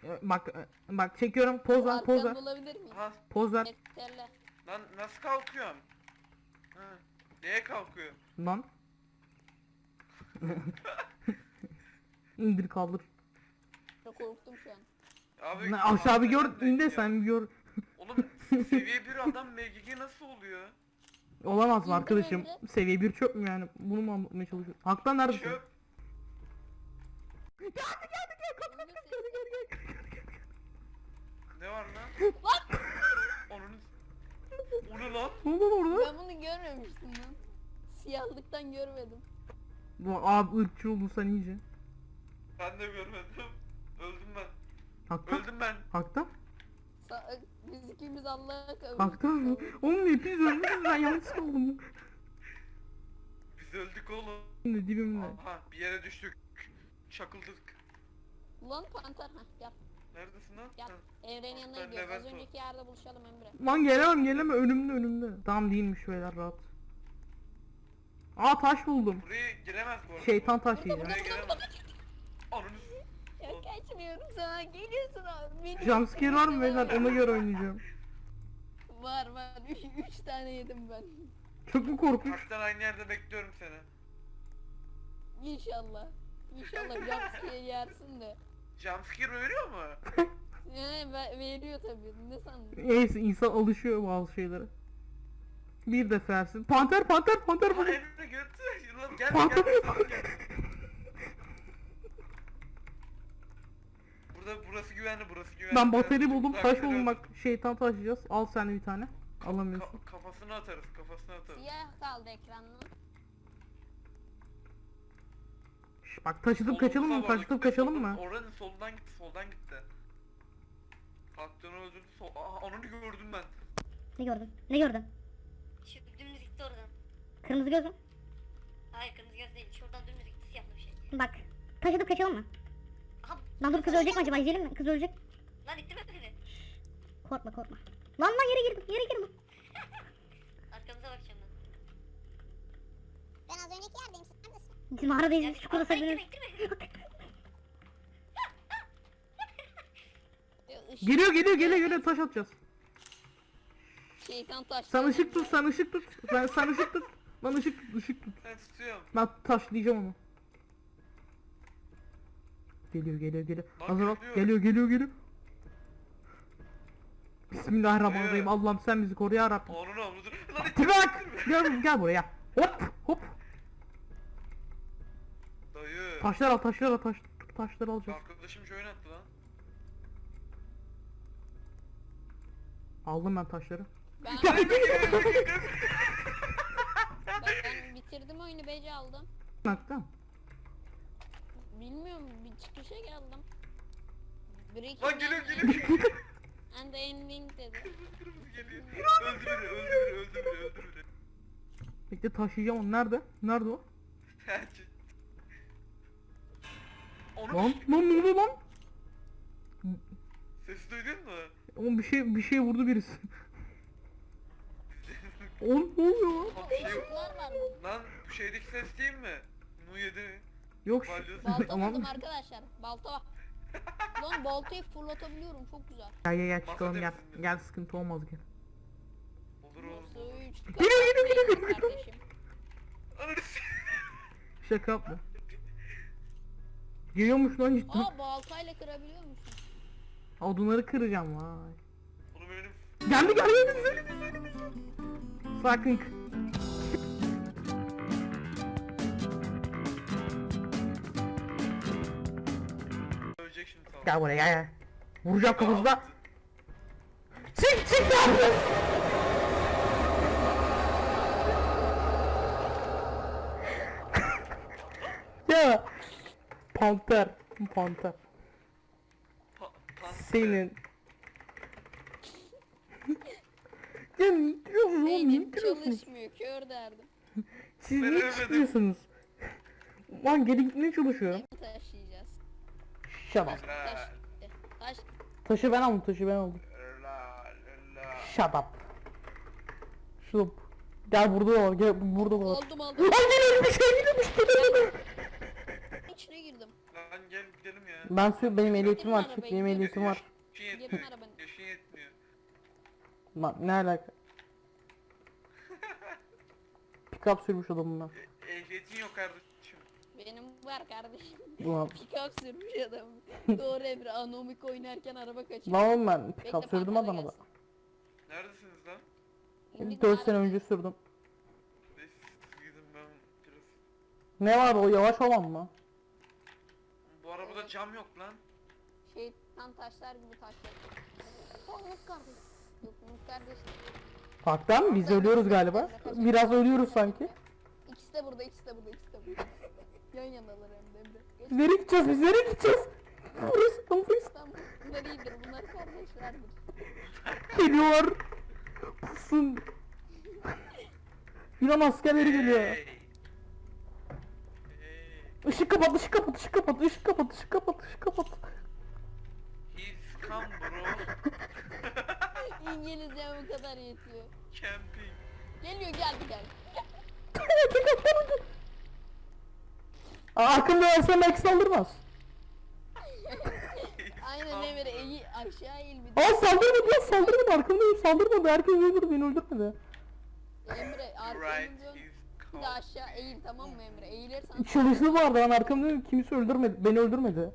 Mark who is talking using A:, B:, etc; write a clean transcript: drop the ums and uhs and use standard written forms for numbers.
A: Bak çekiyorum, poz ver, poz ver.
B: Arkamda olabilir miyim?
C: Aha.
A: Poz ver.
B: Yeterli.
C: Lan nasıl kalkıyorum? Ha. Neye kalkıyor?
A: Lan. İndir kaldır.
B: Çok korktum şu an.
C: Abi
A: Aşağı bir gör,
C: hakikaten
A: in de
C: ya.
A: sen bir gör.
C: Oğlum seviye 1 adam MGG nasıl oluyor?
A: Olamaz
B: İndir
A: arkadaşım.
B: önce.
A: Seviye 1 çöp mü yani? Bunu mu anlatmaya çalışıyorsun? Haktan neredesin?
C: Çöp. Ne var lan? Onun... O ne lan?
A: Ne oldu orada?
B: Ben bunu görmemiştim lan. Siyahlıktan görmedim.
A: Bu abi ırkçı oldun sen iyice.
C: Ben de görmedim. Öldüm ben.
A: Haktan?
C: Öldüm ben.
A: Haktan?
B: Biz ikimiz Allah'a kavuştuk.
A: Haktan mı? Oğlum hepiniz ölmüşsünüz, ben yalnız kaldım.
C: Biz öldük oğlum.
A: Şimdi dibimde.
C: Aha bir yere düştük. Çakıldık.
B: Ulan panter ha gel
C: Neredesin lan?
B: gel.
C: Ha.
B: Evrenin yanına
C: Ben
B: gidiyoruz. Az
C: Levent o.
B: önceki yerde buluşalım Emre.
A: Lan gelemem önümde. Tamam değilmiş beyler, rahat. Aa taş buldum.
C: Buraya giremez bu arada.
A: Şeytan taş
B: Burada,
A: yiyeceğim.
C: Buraya giremez. Ananı
B: Ya kaçmıyorum sana. Geliyorsun abi. Beni
A: Jumpscare var mı beyler, ona göre oynayacağım.
B: Var. Üç tane yedim ben.
A: Çok mu korkunç?
C: Haktan aynı yerde bekliyorum seni.
B: İnşallah. İnşallah jumpscare yersin de.
C: Jumpscare veriyor mu?
B: Veriyor tabii. Ne sandın?
A: Neyse, insan alışıyor bazı şeylere. Bir defersin. Panter
C: Lan
A: buldum.
C: Emre götür. Lan gel
A: Panter.
C: gel. Burası güvenli.
A: Ben bateri buldum, taş
C: Uzakları
A: buldum,
C: öldür.
A: bak şeytan taşıyacağız. Al sen de bir tane. Alamıyorsun.
C: Kafasına atarız.
B: Siyah kaldı ekranla.
A: Bak taşıtıp kaçalım mı? Taşıtıp kaçalım mı?
C: Oranın soldan gitti. Haktan'ı öldürdü. Aa onu gördüm ben.
D: Ne gördün?
E: Şu dümdüz gitti oradan.
D: Kırmızı göz mü?
E: Hayır kırmızı göz değil. Şuradan dümdüz gitti siyahlı bir şey.
D: Bak. Taşıdıp kaçalım mı?
E: Aha.
D: Lan dur, kız ölecek mi acaba? İzleyelim mi? Kız ölecek.
E: Lan ittirme beni.
D: Korkma. Lan yere girdim.
E: Arkamıza bakacağım ben.
F: Ben az önceki yerdeyim. Sen neredesin?
D: Bizim mağaradayız, biz çukurda
E: Arkana
D: saklanıyoruz.
E: ittirme.
A: Geliyor, taş atacağız.
B: Şeytan taş.
A: Sen ışık tut. Sen ışık tut. Lan ışık tut.
C: Ben tutuyorum.
A: Ben taşlayacağım onu. Geliyor.
C: Bak,
A: Hazır ol.
C: geliyor.
A: Geliyor. Bismillahirrahmanirrahim. Allah'ım sen bizi koru ya Rabbim.
C: Onun avludur. Lan
A: Bırak! Gel buraya. Hop.
C: Dayı.
A: Taşlar al. Taşları alacağız.
C: Arkadaşım join attı lan.
A: Aldım ben taşları.
B: Ben bitirdim oyunu, bece aldım.
A: Haktan.
B: Bilmiyorum, bir çıkışa geldim. Breaking
C: Lan geliyor.
B: And the ending dedi.
C: Kırmızı geliyor. Öldü beni.
A: Bekle, taşıyacağım onu. Nerede o?
C: Onu
A: Lan ne oluyor lan?
C: sesi duydun mu?
A: Oğlum bir şey vurdu birisi. Oğlum ne oluyor lan?
C: Lan bir şey
B: Işıklar var mı?
C: Lan bu şeydeki ses değil mi? Nu 7.
A: Yok.
C: Balyoz.
B: Balta
A: Tamam.
B: buldum arkadaşlar. Balta. Lan baltayı fırlatabiliyorum, çok güzel.
A: Gel çıkalım, gel.
C: temizliğinde.
A: Gel, sıkıntı olmaz, gel.
C: Olur oğlum.
B: Nasıl üç
A: Geliyor.
B: kardeşim.
C: Ananı s-
A: Şaka yapma. Geliyormuş lan cidden.
B: Aa, baltayla kırabiliyor musun?
A: Odunları kıracağım vay.
C: Onu benim
A: Geldi. Sakın.
C: ölecek şimdi tamam.
A: Gel buraya, gel. Vuracağım kafasına. Çık ne yapıyorsun? Ya. Panter.
C: Pan-
A: Senin. Ya ne diyorsun oğlum?
B: Beynim
A: Ne diyorsun?
B: çalışmıyor, kör derdim.
A: Siz
C: Ben
A: niye
C: ölmedim.
A: çıkıyorsunuz? Lan geri gitmeye çalışıyorum.
B: Ne taşıyacağız?
A: Shut up.
B: Taş
C: Helal.
B: gitti. Taş.
A: Taşı ben aldım.
C: Helal.
A: Shut up. Şup. Gel burada var. Gel burada var.
B: Aldım.
A: Lan geliyor bir şey.
B: İçine girdim.
C: Lan gel gidelim ya.
A: Benim ehliyetim var.
B: arabayı,
A: Benim
B: gidelim.
A: ehliyetim var.
C: Yaşın
B: Yakın
C: yetmiyor.
B: arabanın.
C: Yaşın yetmiyor.
A: Lan ne alaka? Pick-up sürmüş adam bunlar.
C: Ehliyetin yok kardeşim.
B: Benim var kardeşim.
A: Ulan.
B: Pick-up sürmüş adam. Doğru Emre, Anomik oynarken araba kaçırdı.
A: Lan oğlum ben
B: Bekle,
A: pick-up sürdüm
B: parkada
A: adama da.
B: gelsin.
C: Neredesiniz lan?
B: İndik
A: 4 sene
B: arabaya.
A: önce sürdüm.
C: Neyse siz gidin ben biraz.
A: Ne var o yavaş olan mı?
C: Bu arabada
B: Evet.
C: cam yok lan.
B: Şeytan taşlar gibi taşlar. Umut kardeş. Yok Umut kardeş.
A: Parkta mı? Biz ölüyoruz galiba. Biraz ölüyoruz sanki.
B: İkisi de burada, ikisi de burada, ikisi de burada. Yan yanalar hem de Emre. Geç.
A: Biz nereye gideceğiz? Biz nereye gideceğiz? Burası burası.
B: Tamam, bunlar iyidir, bunlar kardeşlerdir.
A: Geliyorlar. Pusun. Yunan askerleri geliyor.
C: Hey.
A: Işık kapat, ışık kapat, ışık kapat, ışık kapat, ışık kapat, ışık kapat.
C: He's come bro.
B: İngilizce bu kadar yetiyor.
C: Camping.
B: Geliyor, geldi.
A: Arkamda versem belki saldırmaz.
B: Aynen Emre, aşağı eğil bir de.
A: Aa saldırmadı ya, saldırmadı, arkamdayım, saldırmadı. Herkes öldürdü, beni öldürmedi.
B: Emre, arkanı
C: Right,
B: dön.
C: he's
B: Bir
C: come.
B: de aşağı eğil, tamam mı Emre? Eğilirsen
A: Çalışlı vardı, ben arkamdayım, kimse öldürmedi, beni öldürmedi.